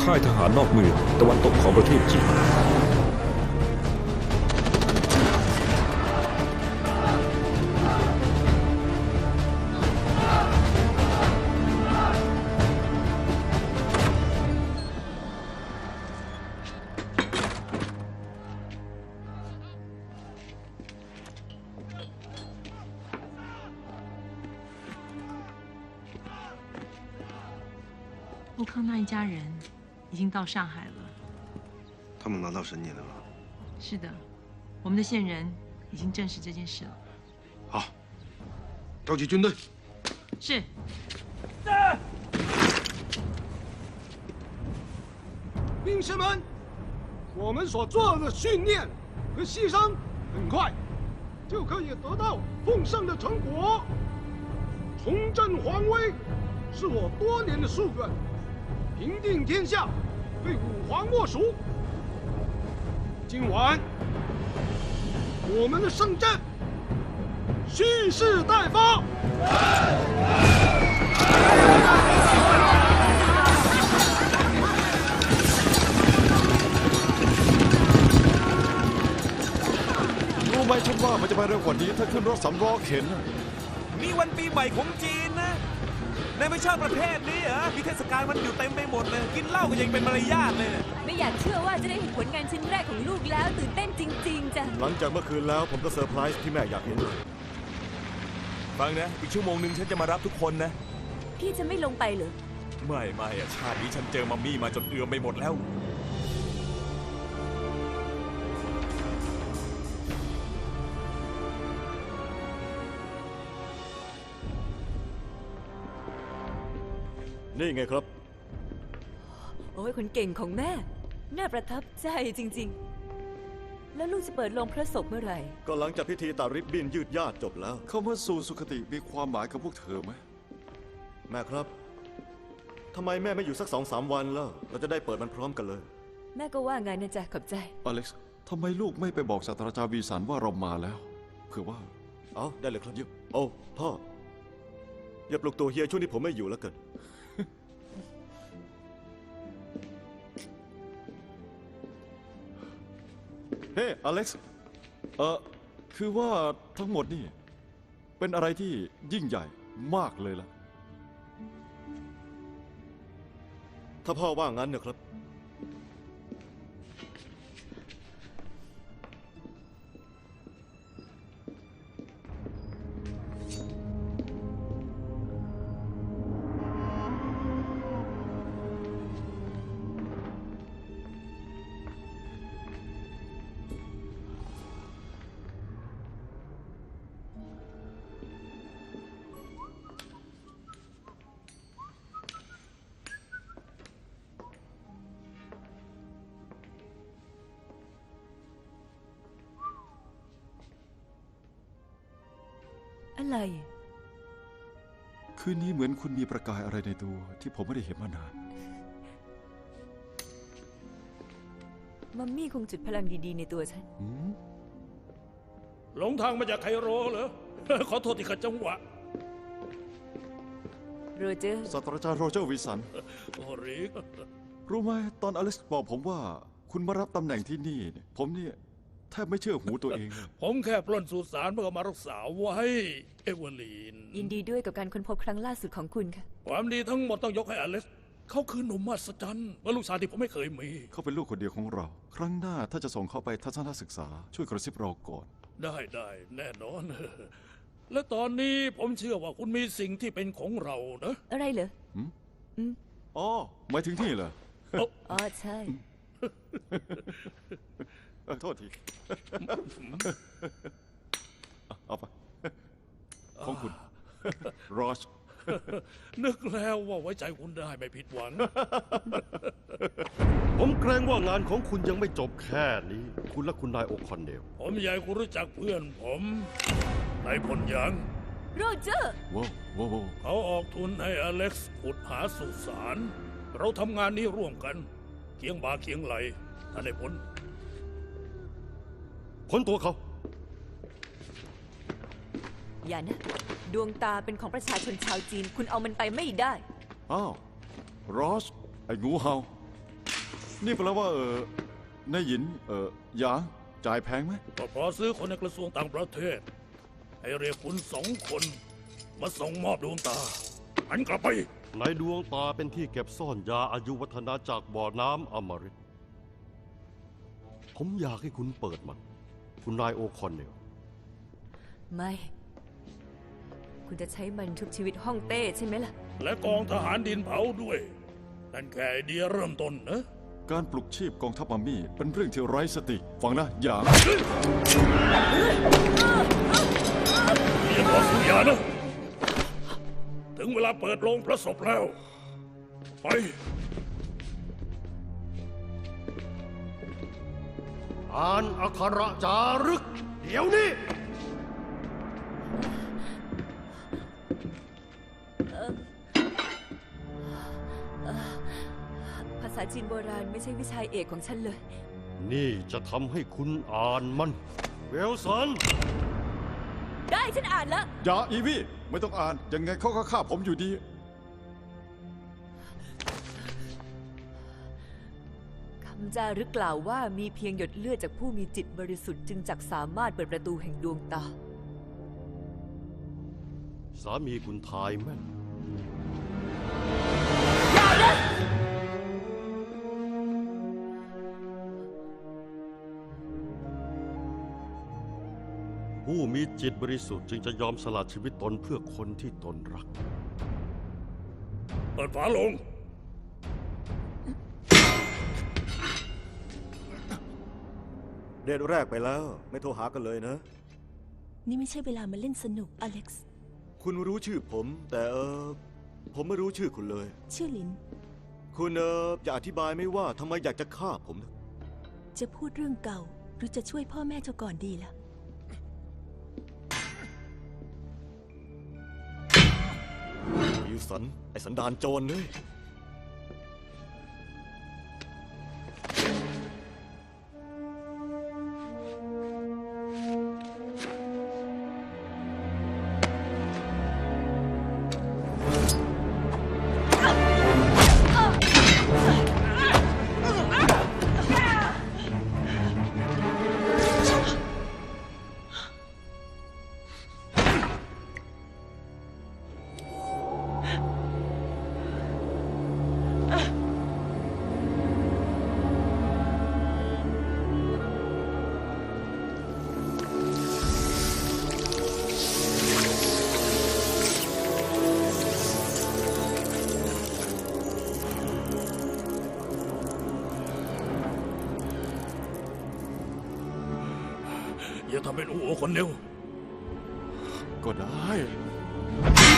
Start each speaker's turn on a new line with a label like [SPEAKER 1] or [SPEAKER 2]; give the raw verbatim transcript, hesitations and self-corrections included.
[SPEAKER 1] ค่ายทหารนอกเมืองตะวันตกของประเทศจีน
[SPEAKER 2] 陆康那一家人已经到上海了。
[SPEAKER 3] 他们拿到神年了吗？
[SPEAKER 2] 是的，我们的线人已经证实这件事了。
[SPEAKER 3] 好，召集军队。
[SPEAKER 2] 是。
[SPEAKER 4] 兵士们，我们所做的训练和牺牲，很快就可以得到丰盛的成果。重振皇威是我多年的夙愿。 平定天下，非吾皇莫属。今晚，我们的圣战蓄势待发。
[SPEAKER 5] รู้ไหมฉันว่ามันจะไปเร็วกว่านี้ถ้าขึ้นรถสำล้อเข็น
[SPEAKER 6] นี่วันปีใหม่ของจีนนะในไม่ชอบประเทศนี้เหรอมีเทศกาลมันอยู่เต็มไปหมดเลยกินเหล้าก็ยังเป็นมารยาทเลย
[SPEAKER 7] ไม่อยากเชื่อว่าจะได้เห็นผลงานชิ้นแรกของลูกแล้วตื่นเต้นจริงๆจ้ะ
[SPEAKER 5] หลังจากเมื่อคืนแล้วผมก็เซอร์ไพรส์ที่แม่อยากเห็น
[SPEAKER 6] ฟังนะอีกชั่วโมงหนึ่งฉันจะมารับทุกคนนะ
[SPEAKER 7] พี่จะไม่ลงไปเหรอ
[SPEAKER 6] ไม่ไม่อะชาตินี้ฉันเจอมัมมี่มาจนเอือมไปหมดแล้ว
[SPEAKER 5] นี่ไงครับ
[SPEAKER 7] โอ้ยคนเก่งของแม่น่าประทับใจจริงๆแล้วลูกจะเปิดโรงพระศพเมื่อไหร่
[SPEAKER 5] ก็หลังจากพิธีตัดริบบิ้นยืดญาติจบแล้วคำว่าสู่สุคติมีความหมายกับพวกเธอไหมแม่ครับทำไมแม่ไม่อยู่สักสองสามวันแล้วเราจะได้เปิดมันพร้อมกันเลย
[SPEAKER 7] แม่ก็ว่าไงนะจ๊ะขอบใจ
[SPEAKER 5] อเล็กซ์ทำไมลูกไม่ไปบอกศาสตราจารย์วีสันว่าเรามาแล้วเผื่อว่าเอาได้เลยครับโอ้พ่ออย่าปลุกตัวเฮียช่วงนี้ผมไม่อยู่แล้วเกินเฮ้อเล็กซ์เออคือว่าทั้งหมดนี่เป็นอะไรที่ยิ่งใหญ่มากเลยล่ะถ้าพ่อว่างั้นนะครับ
[SPEAKER 7] อะไร
[SPEAKER 5] คืนนี้เหมือนคุณมีประกายอะไรในตัวที่ผมไม่ได้เห็นมานาน
[SPEAKER 7] มัมมี่คงจุดพลังดีๆในตัวฉัน
[SPEAKER 4] หลงทางมาจากไคโรเหรอ ขอโทษที่ขัดจังหวะ
[SPEAKER 7] โรเจอร์
[SPEAKER 5] ศาสตราจารย์โรเจอร์วิสัน
[SPEAKER 4] โอ้ริก
[SPEAKER 5] รู้ไหมตอนอเล็กซ์บอกผมว่าคุณมารับตำแหน่งที่นี่ผมเนี่ยแทบไม่เชื่อหูตัวเอง
[SPEAKER 4] ผมแค่ปล้นสุสานเพื่อมารักษาไว้เอเวอรีน
[SPEAKER 7] ยินดีด้วยกับการค้นพบครั้งล่าสุดของคุณค่ะ
[SPEAKER 4] ความดีทั้งหมดต้องยกให้อเล็กซ์เขาคือหนุ่มมหัศจรรย์ว่าลูกชายที่ผมไม่เคยมี
[SPEAKER 5] เขาเป็นลูกคนเดียวของเราครั้งหน้าถ้าจะส่งเขาไปทัศนศึกษาช่วยกระซิบเราก่อน
[SPEAKER 4] ได้ได้แน่นอน และตอนนี้ผมเชื่อว่าคุณมีสิ่งที่เป็นของเรานะ
[SPEAKER 7] อะไรเหรอ
[SPEAKER 5] อ๋อหมายถึงที่เหรอ
[SPEAKER 7] อ๋อใช่
[SPEAKER 5] โทษทีเอาไปของคุณรอช
[SPEAKER 4] นึกแล้วว่าไว้ใจคุณได้ไม่ผิดหวัง
[SPEAKER 8] ผมเกรงว่างานของคุณยังไม่จบแค่นี้คุณและคุณนายโอคอนเนล
[SPEAKER 4] ผมอยากให้คุณรู้จักเพื่อนผมนายพลยัง
[SPEAKER 7] โรเจอร์
[SPEAKER 5] ว้าวว้าว
[SPEAKER 4] เขาออกทุนให้อเล็กซ์ขุดหาสุสานเราทำงานนี้ร่วมกันเคียงบ่าเคียงไหลถ้าได้ผล
[SPEAKER 8] พ้นตัวเขา
[SPEAKER 7] อย่านะดวงตาเป็นของประชาชนชาวจีนคุณเอามันไปไม่ได้
[SPEAKER 5] อ้าวรอสไอ้งูเห่านี่แปลว่าเออ นายหยิน เออหยาง จ่ายแพงไหม
[SPEAKER 9] ก็เพอซื้อคนในกระทรวงต่างประเทศ ให้เรียกคุณสองคน มาส่งมอบดวงตาหันกลับไป
[SPEAKER 8] ในดวงตาเป็นที่เก็บซ่อนยาอายุวัฒนาจากบ่อน้ำอมฤตผมอยากให้คุณเปิดมัน คุณนายโอคอนเนล
[SPEAKER 7] ไม่ คุณจะใช้มันทุบชีวิตฮ่องเต้ใช่ไหมล่ะ
[SPEAKER 9] และกองทหารดินเผาด้วย นั่นแค่ไอเดียเริ่มต้นนะ
[SPEAKER 5] การปลุกชีพกองทัพมัมมี่เป็นเรื่องที่ไร้สติ ฟังนะหยาง
[SPEAKER 9] อย่าบอกสุยานะ ถึงเวลาเปิดโรงพระศพแล้ว ไป
[SPEAKER 8] อ่านอักขระจารึก เดี๋ยวนี้
[SPEAKER 7] ภาษาจีนโบราณไม่ใช่วิชาเอกของฉันเลย
[SPEAKER 8] นี่จะทำให้คุณอ่านมัน เวลสัน
[SPEAKER 7] ได้ฉันอ่านแล้ว
[SPEAKER 5] อย่าอีวี่ ไม่ต้องอ่าน ยังไงเขาก็ฆ่าผมอยู่ดี
[SPEAKER 7] คำจารึกกล่าวว่ามีเพียงหยดเลือดจากผู้มีจิตบริสุทธิ์จึงจักสามารถเปิดประตูแห่งดวงตา
[SPEAKER 8] สามีคุณทายแม่น ผู้มีจิตบริสุทธิ์จึงจะยอมสละชีวิตตนเพื่อคนที่ตนรัก
[SPEAKER 9] เปิดฝาโลง
[SPEAKER 5] เดทแรกไปแล้ว ไม่โทรหากันเลยนะ
[SPEAKER 10] นี่ไม่ใช่เวลามาเล่นสนุก อเล็กซ์
[SPEAKER 5] คุณรู้ชื่อผม แต่เออผมไม่รู้ชื่อคุณเลย
[SPEAKER 10] ชื่อลิน
[SPEAKER 5] คุณเออจะอธิบายไหมว่าทำไมอยากจะฆ่าผมนะ
[SPEAKER 10] จะพูดเรื่องเก่า หรือจะช่วยพ่อแม่เจ้าก่อนดีล่ะ
[SPEAKER 5] วิลสัน ไอสันดานโจรเลย
[SPEAKER 9] อย่าทำเป็นอูโอคนเดียว
[SPEAKER 5] ก็ได้